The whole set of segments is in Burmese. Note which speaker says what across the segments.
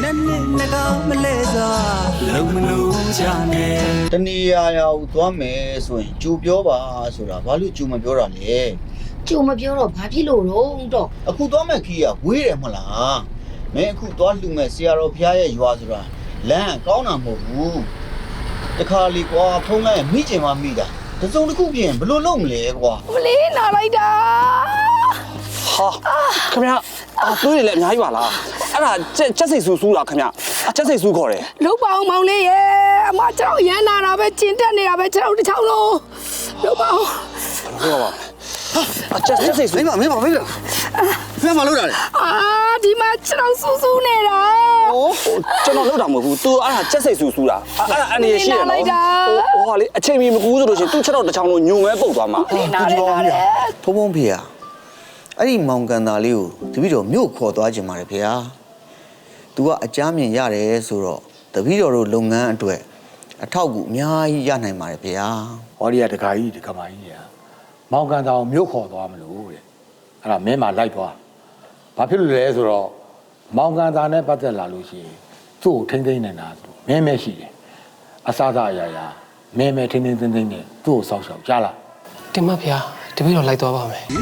Speaker 1: တဏီယာရောက်သွားမယ်ဆိုရင်ကြူပြောပါဆိုတာဘာလို့ကြူမပြောတာလဲ
Speaker 2: ကြုံမပြောတော့ဘာဖြစ်လို့တော့
Speaker 1: အခုသွားမဲ့ခီးကဝေးတယ်မဟုတ်လားမင်းအခုသွားလှူမဲ့ဆရာတော်ဖျားရဲ့ရွာဆိုတာလမ်းကောင်းတာမဟုတ်ဘူးတခါလီကွာဖုံးလိုက်မိကျင်မှမိတာတစုံတစ်ခုပြင်ဘလို့လုံးမလဲကွာ
Speaker 2: မလေးနာလိုက်တာ
Speaker 3: ဟာခင်ဗျာတွေးရလေအများကြီးပါလားအဲ့ဒါချက်စိတ်ဆူတာခင်ဗျာချက်စိတ်ဆူခေါ်တယ်
Speaker 2: လုတ်ပါအောင်မောင်လေးရဲ့အမကျွန်တော်ရမ်းနာတာပဲကျင်တက်နေတာပဲကျွန်တော်တစ်ချောင်းလုံးလုတ်ပါအောင်
Speaker 3: ဟုတ်ပါချက်စိတ်ဆူမင်းမလို့တာလေ
Speaker 2: ဒီမှာကျွန်တော်စူးစူးနေတာ
Speaker 3: ကျွန်တော်လောက်တာမဟုတ်ဘူး तू အဲ့ဒါချက်စိတ်ဆူတာအဲ့ဒါအနေရရှိရနော်ဟိုဟာလေအချိန်မီမကူးဆိုလို့ရှိရင် तू ချက်တော့တစ်ချောင်းလုံးညုံမဲပုတ်သွားမှာ
Speaker 2: နားတယ်
Speaker 1: ဖုံဖုံဖေးအဲ့ဒီမောင်ကန်သားလေးကိုတပည့်တော်မြို့ခေါ်သွားခြင်းပါတယ်ဖေဟာ तू ကအကြမ်းမြင်ရတယ်ဆိုတော့တပည့်တော်တို့လုပ်ငန်းအတွက်အထောက်အကူအများကြီးရနိုင်ပါတယ်ဖေဟာ
Speaker 4: ဟောဒီကတခါကြီးဒီကမာကြီးညာမောင်ကန်တောင်မြို့ခေါ်သွားမလို့တဲ့အဲ့ဒါမင်းမလိုက်သွားဘာဖြစ်လို့လဲဆိုတော့မောင်ကန်သားနဲ့ပတ်သက်လာလို့ရှိရင်သူ့ကိုထိမ့်သိမ့်နေတာဆိုမင်းမရှိတယ်အစားသားအရာရာမင်းမဲထိမ့်သိမ့်သိမ့်နဲ့သူ့ကိုစောက်ရှောက်ကြားလား
Speaker 5: တင်မဖေတပည့်တော်လိုက်သွားပါမယ်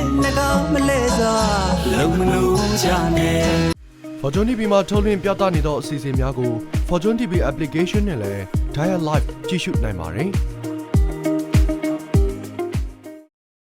Speaker 6: Fortune TV မှာထုတ်လွှင့်ပြသနေသောအစီအစဉ်များကို Fortune TV application နဲ့လည်း Dial Live ကြည့်ရှုနိုင်ပါတယ်။